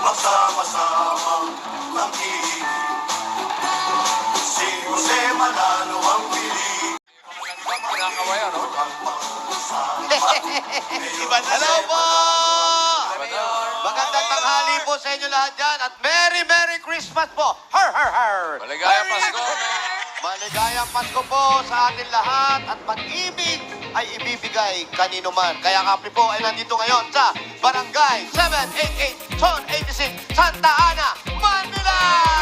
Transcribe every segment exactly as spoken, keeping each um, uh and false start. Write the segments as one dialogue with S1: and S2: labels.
S1: Magsama-sama ng kilig. Si Jose Manalo ang pili.
S2: Kinakawaya, no?
S3: Hello po! Magandang tanghali po sa inyo lahat dyan at Merry Merry Christmas po! Har har har!
S2: Maligayang
S3: Merry
S2: Pasko!
S3: Maligayang Pasko po sa atin lahat at pag-ibig ay ibibigay kanino man. Kaya kami po ay nandito ngayon sa Barangay seven eighty-eight, Zone eighty-six, Santa Ana, Manila!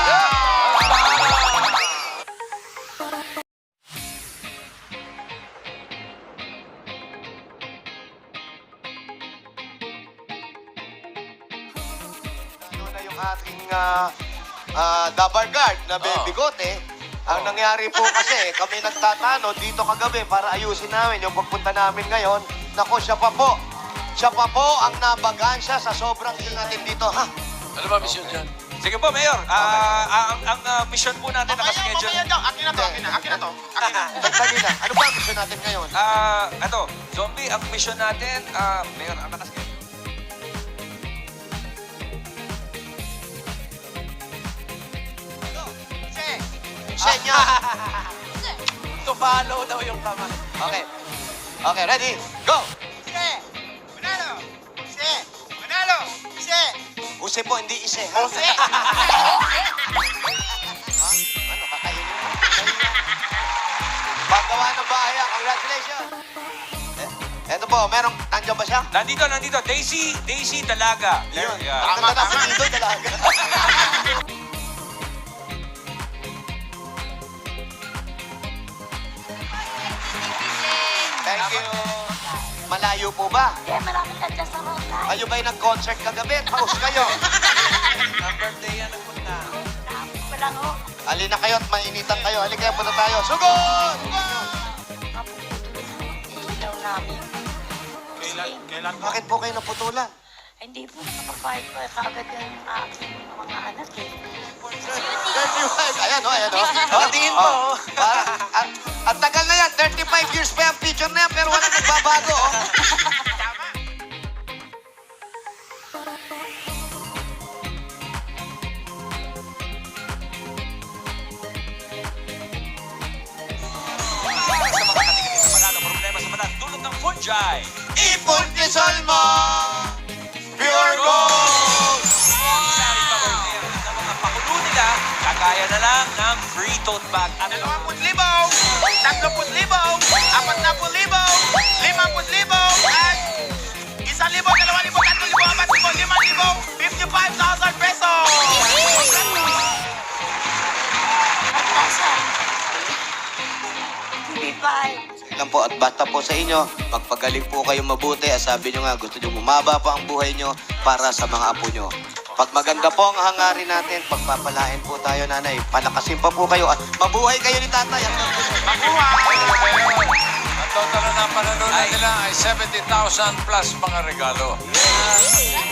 S3: Ano na yung ating uh, uh, dabar guard na
S2: Oh.
S3: bigote. Ang nangyari po kasi, kami nagtatano dito kagabi para ayusin namin yung pagpunta namin ngayon. Nako, siya pa po. Siya pa po ang nabagansya sa sobrang yun natin dito, ha?
S2: Ano ba mission dyan?
S4: Sige po, Mayor. Ah, ah, ang ang ah, mission po natin nakaschedule.
S5: Mamaya daw. Akin na to, akin na, akin na to. Akin na.
S3: Dagdali lang. Ano ba ang gusto natin ngayon?
S4: Ah, ano, zombie, ang mission natin, ah, Mayor, ang nakaschedule.
S3: Siya niya.
S2: To follow daw yung kamay.
S3: Okay. Okay, ready? Go!
S5: Ise! Manalo! Ise! Manalo! Ise!
S3: Use po, hindi ise, ha?
S5: Ise!
S3: Ha? Ano, kakainin mo? Paggawa ng bahay, ah. Congratulations! Eh, eto po, merong, nandiyan ba siya?
S4: Nandito, nandito. Daisy, Daisy Dalaga. There,
S3: Yun.
S4: yeah.
S3: Ang ganda na dito, dalaga. Thank you. Malayo po ba?
S6: Hindi, marami ka dyan sa roadside.
S3: Kayo ba'y nag-concert kagabi? Paus kayo.
S2: Ang birthday yan ang punta.
S6: Tapos ko lang, oh.
S3: Halina kayo at mainitan kayo. Halika kayo, punta tayo. Sugod!
S6: Ilaw namin.
S5: Kailan, kailan po?
S3: Bakit po kayo naputulan?
S6: Hindi po nakapag-fight ko kagad yung aking mga anak eh.
S3: thirty-five. Ayan, oh, ayan, oh.
S2: Oh, tingin mo, oh.
S3: Parang, at, at tagal na yan. thirty-five years pa yung picture na yan, pero wala nagbabago, oh.
S4: Sa mga katigil sa mata, ang problema sa mata, dulot ng fungi.
S3: Ipon Quezon mo! Pure Gold!
S4: Sari pa birthday ang mga pakulo nila, kagaya na lang ng free tote bag. At
S5: Dalawang libaw, tatlong libaw, apat na libaw, limang libaw, at isang libaw, dalawang libaw, tatlong libaw, apat libaw, limang libaw, fifty-five thousand pesos!
S6: At nasa T V five.
S3: Lang po at basta po sa inyo, magpagaling po kayong mabuti. At sabi nyo nga, gusto nyo bumaba pa ang buhay nyo para sa mga apo nyo. Pag maganda po ang hangarin natin, pagpapalain po tayo, nanay. Palakasin pa po kayo at mabuhay kayo ni tatay.
S2: Ang total na ng panalunan nila ay seventy thousand plus mga regalo.